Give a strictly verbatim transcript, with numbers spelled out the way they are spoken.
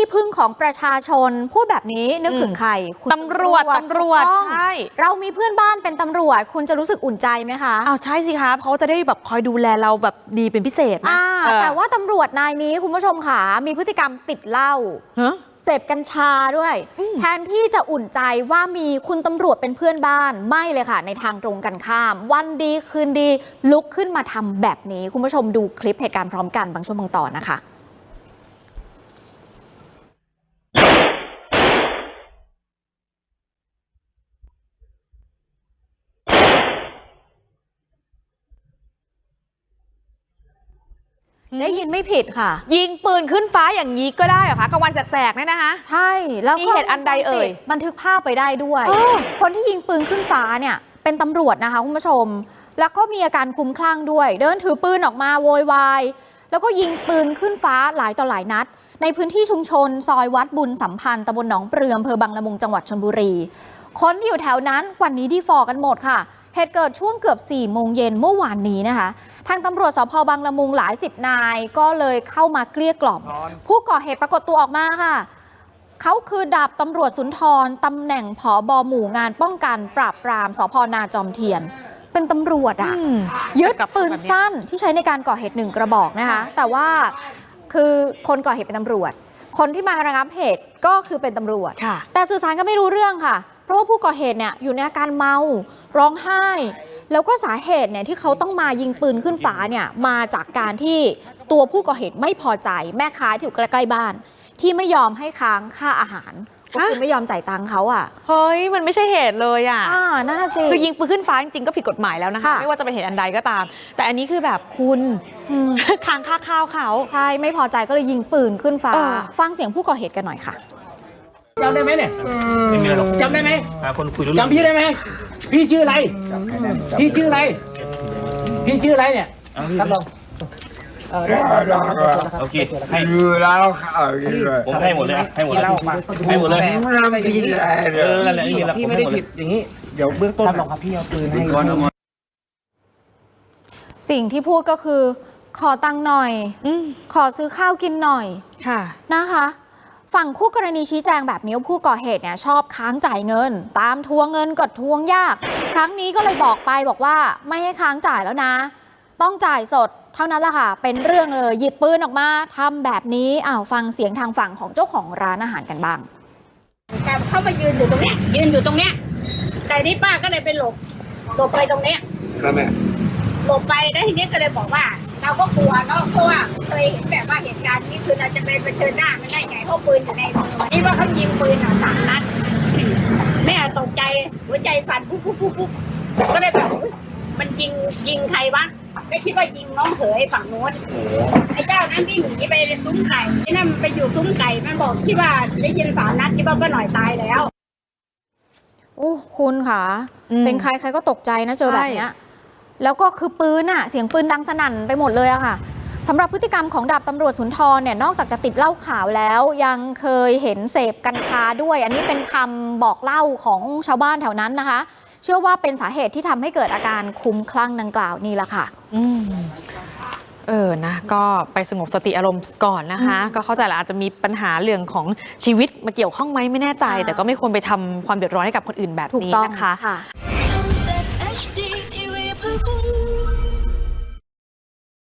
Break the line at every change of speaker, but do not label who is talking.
พึ่งของประชาชนพูดแบบนี้นึกถึงใคร
ตำรวจตำรวจใช่
เรามีเพื่อนบ้านเป็นตำรวจคุณจะรู้สึกอุ่นใจไหมคะ
อ้าวใช่สิคะเขาจะได้แบบคอยดูแลเราแบบดีเป็นพิเศษนะ
แต่ว่าตำรวจนายนี้คุณผู้ชมค่ะมีพฤติกรรมติดเหล้าเสพกัญชาด้วยแทนที่จะอุ่นใจว่ามีคุณตำรวจเป็นเพื่อนบ้านไม่เลยค่ะในทางตรงกันข้ามวันดีคืนดีลุกขึ้นมาทำแบบนี้คุณผู้ชมดูคลิปเหตุการณ์พร้อมกันบางช่วงบางตอนนะคะได้ยินไม่ผิดค่ะ
ยิงปืนขึ้นฟ้าอย่างนี้ก็ได้เหรอคะกลางวันแสกๆเนี่ยนะคะ
ใช่แล้ว
มีเหตุอันใดเอ่ย
บันทึกภาพไปได้ด้วยคนที่ยิงปืนขึ้นฟ้าเนี่ยเป็นตำรวจนะคะคุณผู้ชมแล้วก็มีอาการคลุ้มคลั่งด้วยเดินถือปืนออกมาโวยวายแล้วก็ยิงปืนขึ้นฟ้าหลายต่อหลายนัดในพื้นที่ชุมชนซอยวัดบุญสัมพันธ์ตำบลหนองเปลืออำเภอบางละมุงจังหวัดชลบุรีคนที่อยู่แถวนั้นกว่านี้ดีฟอกันหมดค่ะเหตุเกิดช่วงเกือบสี่โมงเย็นเมื่อวานนี้นะคะทางตำรวจสภ.บางละมุงหลายสิบนายก็เลยเข้ามาเกลี้ยกล่อมผู้ก่อเหตุปรากฏตัวออกมาค่ะเขาคือดาบตำรวจสุนทรตำแหน่งผบ.หมู่งานป้องกันปราบปรามสภ.นาจอมเทียนเป็นตำรวจอ่ะยึดปืนสั้นที่ใช้ในการก่อเหตุหนึ่งกระบอกนะคะแต่ว่าคือคนก่อเหตุเป็นตำรวจคนที่มาระงับเหตุก็คือเป็นตำรวจแต่สื่อสารก็ไม่รู้เรื่องค่ะเพราะว่าผู้ก่อเหตุเนี่ยอยู่ในอาการเมาร้องไห้แล้วก็สาเหตุเนี่ยที่เขาต้องมายิงปืนขึ้นฟ้าเนี่ยมาจากการที่ตัวผู้ก่อเหตุไม่พอใจแม่ค้าที่อยู่ใกล้ๆบ้านที่ไม่ยอมให้ค้างค่าอาหารก็คือไม่ยอมจ่ายตังค์เขาอ่ะ
เฮ้ยมันไม่ใช่เหตุเลยอ่ะ
อ่านั่นสิ
คือยิงปืนขึ้นฟ้าจริงๆก็ผิดกฎหมายแล้วนะคะไม่ว่าจะเป็นเหตุอันใดก็ตามแต่อันนี้คือแบบคุณค้างค่าข้าวเขา
ใช่ไม่พอใจก็เลยยิงปืนขึ้นฟ้าฟังเสียงผู้ก่อเหตุกันหน่อยค่ะ
จำได้ไหมเนี่ย
ไม่มีหรอก
จำได้ไหม
คนคุยรู้
จำพี่ได้ไหมพี่ชื่ออะไรพี่ชื่ออะไรพี่ชื่ออะไรเนี่ยครับลอง
เออได้โอเคให้
คือแล้ว
ผมให้หมดเลยให้หมดเลยให้หมดเลย
ไม่ผิดเลย
เออนั่นแหละ
พี่ไม่ได้ผิดอย่างนี้เดี๋ยวเบื้องต้นลองครับพี่เอาปืนให้
สิ่งที่พูดก็คือขอตังค์หน่อยขอซื้อข้าวกินหน่อย
ค่ะ
นะคะฝั่งคู่กรณีชี้แจงแบบนี้ผู้ก่อเหตุเนี่ยชอบค้างจ่ายเงินตามทวงเงินกดทวงยากครั้งนี้ก็เลยบอกไปบอกว่าไม่ให้ค้างจ่ายแล้วนะต้องจ่ายสดเท่านั้นแหละค่ะเป็นเรื่องเลยหยิบปืนออกมาทำแบบนี้อ้าวฟังเสียงทางฝั่งของเจ้าของร้านอาหารกันบ้าง
แต่เขามายืนอยู่ตรงเนี้ยยืนอยู่ตรงเนี้ยแต่นี่ป้าก็เลยไปหลบหลบไปตรงเนี้ย
ครับแม่
หลบไปแล้วทีนี้ก็เลยบอกว่าเราก็กลัวเนาะเพราะว่าเคยเห็นแบบว่าเหตุการณ์นี้คือเราจะไปเผชิญหน้ามันได้ไงเพราะปืนอยู่ในมือนี่ว่าเขายิงปืนอ่ะสามนัดแม่ตกใจหัวใจสั่นปุ๊บปุ๊บปุ๊บปุ๊บก็เลยแบบมันยิงยิงใครวะไม่คิดว่ายิงน้องเขยฝั่งโน้นไอ้เจ้านั้นวิ่งหนีไปซุ้มไก่ไอ้นั่นไปอยู่ซุ้มไก่มันบอกคิดว่าได้ยินสามนัดคิดว่าก็หน่อยตายแล้ว
โอ้คุณค่ะเป็นใครใครก็ตกใจนะเจอแบบเนี้ยแล้วก็คือปืนอะเสียงปืนดังสนั่นไปหมดเลยอะค่ะสำหรับพฤติกรรมของดาบตำรวจสุนทรเนี่ยนอกจากจะติดเหล้าขาวแล้วยังเคยเห็นเสพกัญชาด้วยอันนี้เป็นคำบอกเล่าของชาวบ้านแถวนั้นนะคะเชื่อว่าเป็นสาเหตุที่ทำให้เกิดอาการคลุ้มคลั่งดังกล่าวนี่แหละค่ะ
อืมเออนะก็ไปสงบสติอารมณ์ก่อนนะคะก็เข้าใจแหละอาจจะมีปัญหาเรื่องของชีวิตมาเกี่ยวข้องไหมไม่แน่ใจแต่ก็ไม่ควรไปทำความเดือดร้อนให้กับคนอื่นแบบนี้นะคะ